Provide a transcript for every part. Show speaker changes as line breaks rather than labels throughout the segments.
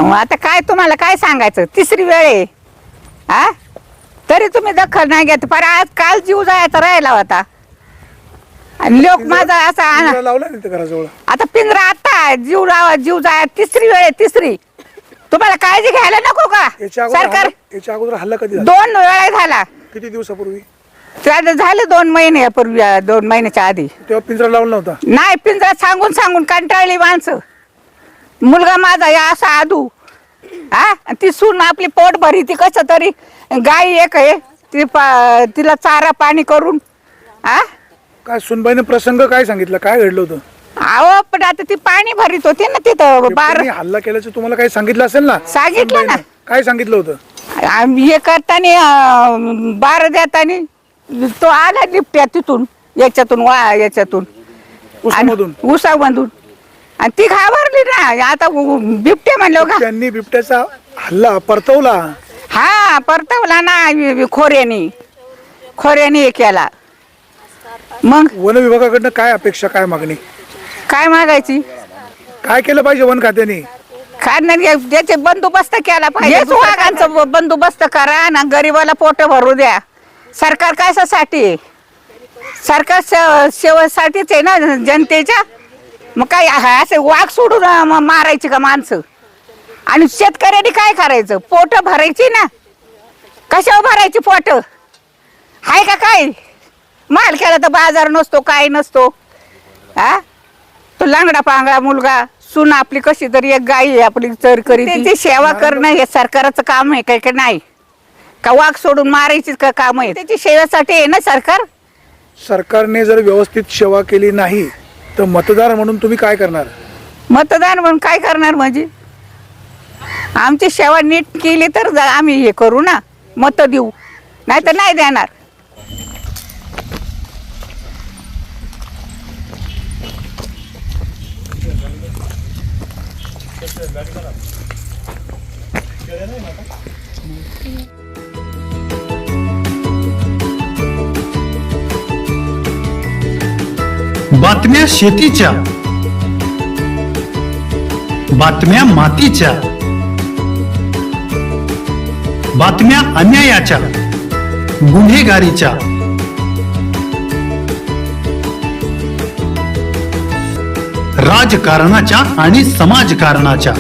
आता काय तुम्हाला काय सांगायचं, तिसरी वेळ आहे हा, तरी तुम्ही दखल नाही घेत. पर आज काल जीव जायचा राहिला होता आणि लोक माझा असा
लावला नाही घराजवळ.
आता पिंजरा आता जीव जाय तिसरी वेळ आहे, तिसरी. तुम्हाला काळजी घ्यायला नको का सरकार?
याच्या अगोदर हल्ला कधी झाला?
2 वेळा झाला.
किती दिवसापूर्वी?
झाले 2 महिन्यापूर्वी, 2 महिन्याच्या आधी.
तेव्हा पिंजरा लावला नव्हता?
नाही, पिंजरा सांगून सांगून कंटाळली माणसं. मुलगा माझा या असा आदू हा, ती सून आपली पोट भरी, ती कसं तरी गाई एक आहे ती तिला चारा पाणी करून हा.
काय सुनबाईने प्रसंग काय सांगितलं, काय घडलं होतं?
अहो पण आता ती पाणी भरीत होती ना तिथं.
हल्ला केल्याचं तुम्हाला काही सांगितलं असेल ना?
सांगितलं ना.
काय सांगितलं होतं?
हे करताना बार देताना तो आला लिपट्या तिथून, याच्यातून उसामधून, आणि ती घाबरली ना. आता बिबट्या म्हणलं का,
त्यांनी बिबट्याचा हल्ला परतवला.
हा परतवला ना, खोऱ्याने केला. मग
वन विभागाकडनं काय अपेक्षा, काय मागणी,
काय मागायची?
काय केलं पाहिजे वन खात्याने?
त्याचे बंदोबस्त केला पाहिजे. हेच वाघांचा बंदोबस्त करा ना, गरीबाला पोट भरू द्या. सरकार कशासाठी? सरकार सेवेसाठीच आहे ना, जनतेच्या. मग काय असे वाघ सोडून मारायची का माणसं? आणि शेतकऱ्यांनी काय करायचं? पोट भरायची ना. कशावर भरायची पोट? हाय का काय? माल केला तर बाजार नसतो, काय नसतो हा. तो लांगडा पांगडा मुलगा, सून आपली कशी तरी एक गाई आहे आपली चर करी, त्याची सेवा करणं हे सरकारचं काम आहे काय नाही का? वाघ सोडून मारायची का काम आहे? त्याची सेवेसाठी आहे ना सरकार.
सरकारने जर व्यवस्थित सेवा केली नाही तर मतदार म्हणून तुम्ही काय करणार?
मतदान म्हणून काय करणार म्हणजे? आमची सेवा नीट केली तर आम्ही हे करू ना, मत देऊ, नाही तर नाही देणार.
बातम्या शेतीच्या, बातम्या मातीच्या, बातम्या अन्यायाच्या, गुन्हेगारीच्या, राजकारणाच्या आणि समाजकारणाच्या,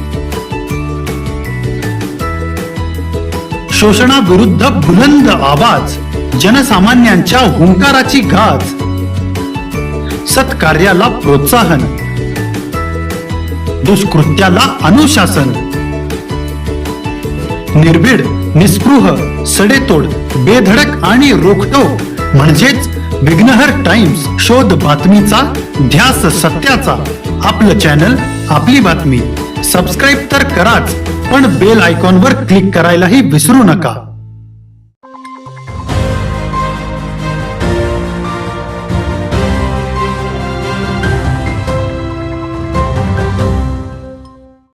शोषणाविरुद्ध बुलंद आवाज, जनसामान्यांच्या हुंकाराची गाज, सत्कार्याला प्रोत्साहन, दुष्कृत्याला अनुशासन, निर्भीड, निस्पृह, सडेतोड, बेधडक आणि रोखटोक म्हणजेच विघ्नहर टाइम्स. शोध बातमीचा, ध्यास सत्याचा. आपलं चॅनल, आपली बातमी. सबस्क्राईब तर कराच, पण बेल आयकॉनवर क्लिक करायलाही विसरू नका.